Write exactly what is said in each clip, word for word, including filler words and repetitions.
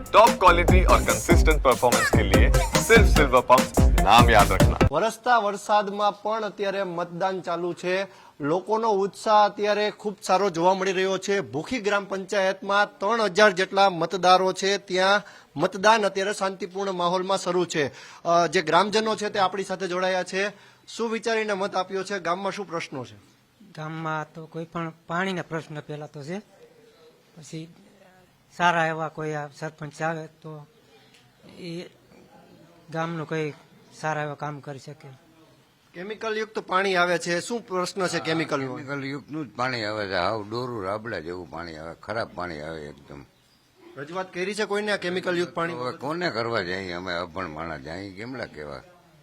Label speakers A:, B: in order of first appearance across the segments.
A: Top quality और consistent performance के लिए सिर्फ सिल्वर पंप नाम याद रखना।
B: વરસતા વરસાદમાં પણ અત્યારે મતદાન ચાલુ છે। લોકોનો ઉત્સાહ અત્યારે ખૂબ સારો જોવા મળી રહ્યો છે। ભૂખી ગ્રામ પંચાયતમાં ત્રણ હજાર જેટલા મતદારો છે, ત્યાં મતદાન અત્યારે શાંતિપૂર્ણ માહોલમાં શરૂ છે। અ, જે ગ્રામજનો છે તે આપણી સાથે જોડાયા છે। શું વિચારીને મત આપ્યો છે? ગામમાં શું પ્રશ્નો છે?
C: ગામમાં તો કોઈ પણ પાણીના પ્રશ્ન પહેલા તો છે, પછી સારા એવા કોઈ આ સરપંચ આવે તો એ ગામનું કોઈ સારા એવા કામ કરી શકે।
B: કેમિકલ યુક્ત પાણી આવે છે, શું પ્રશ્ન છે કેમિકલ નો?
D: કેમિકલ યુક્તનું જ પાણી આવે છે, હાવ ડોરું રાબડા જેવું પાણી આવે, ખરાબ પાણી આવે એકદમ।
B: રજૂઆત કરી છે કોઈને આ કેમિકલ યુક્ત પાણી?
D: હવે કોને કરવા જાય? અમે અભણ માણસ જાય કેમલા કેવા?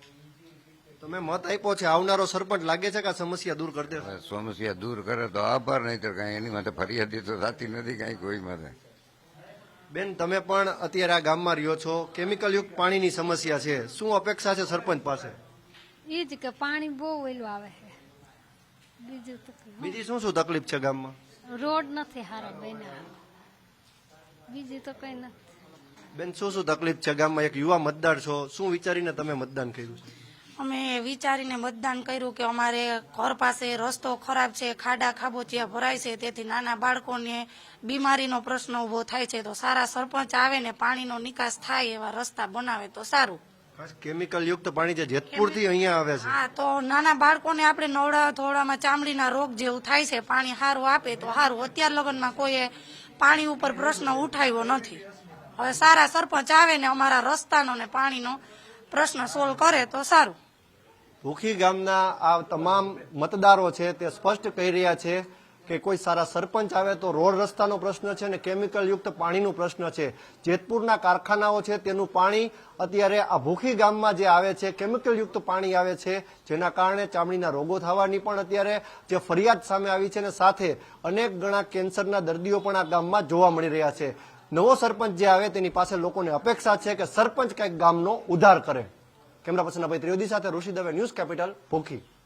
B: તમે મત આપ્યો છે, આવનારો સરપંચ લાગે છે કે આ સમસ્યા દૂર કરી દેશે?
D: હવે સમસ્યા દૂર કરે તો આભાર, નહીં તો કઈ એની માટે ફરિયાદી તો થતી નથી કઈ કોઈ માટે।
B: બેન, તમે પણ અત્યારે આ ગામમાં રહ્યો છો, કેમિકલ યુક્ત પાણીની સમસ્યા છે, શું અપેક્ષા છે સરપંચ પાસે?
E: એ જ કે પાણી બહુ વહેલું આવે છે, બીજું તો કંઈ.
B: બીજી શું શું તકલીફ છે ગામમાં?
E: રોડ નથી સારા બન્યા, બીજું તો કઈ નથી।
B: બેન, શું શું તકલીફ છે ગામમાં? એક યુવા મતદાર છો, શું વિચારીને તમે મતદાન કર્યું છે?
F: અમે વિચારીને મતદાન કર્યું કે અમારે ઘર પાસે રસ્તો ખરાબ છે, ખાડા ખાબોચિયા ભરાય છે, તેથી નાના બાળકોને બીમારીનો પ્રશ્ન ઉભો થાય છે। તો સારા સરપંચ આવે ને પાણીનો નિકાસ થાય એવા રસ્તા બનાવે તો સારું।
B: ખાસ કેમિકલ યુક્ત પાણી જે જેતપુર થી અહીંયા આવે છે,
F: હા, તો નાના બાળકોને આપણે નવડા ધોળામાં ચામડીના રોગ જેવું થાય છે, પાણી સારું આપે તો સારું। અત્યાર લગનમાં કોઈએ પાણી ઉપર પ્રશ્ન ઉઠાવ્યો નથી। હવે સારા સરપંચ આવે ને અમારા રસ્તાનો ને પાણીનો પ્રશ્ન સોલ્વ કરે તો સારું।
B: ભૂખી ગામના આ તમામ મતદારો છે તે સ્પષ્ટ કહી રહ્યા છે કે કોઈ સારા સરપંચ આવે તો રોડ રસ્તાનો પ્રશ્ન છે અને કેમિકલ યુક્ત પાણીનો પ્રશ્ન છે। જેતપુરના કારખાનાઓ છે તેનું પાણી અત્યારે આ ભૂખી ગામમાં જે આવે છે, કેમિકલ યુક્ત પાણી આવે છે, જેના કારણે ચામડીના રોગો થવાની પણ અત્યારે જે ફરિયાદ સામે આવી છે, અને સાથે અનેક ગણા કેન્સરના દર્દીઓ પણ આ ગામમાં જોવા મળી રહ્યા છે। નવો સરપંચ જે આવે તેની પાસે લોકોને અપેક્ષા છે કે સરપંચ કંઈક ગામનો ઉદ્ધાર કરે। કેમેરા પર્સન અભય ત્રિવેદી સાથે ઋષિ દવે, ન્યૂઝ કેપિટલ, ભૂખી।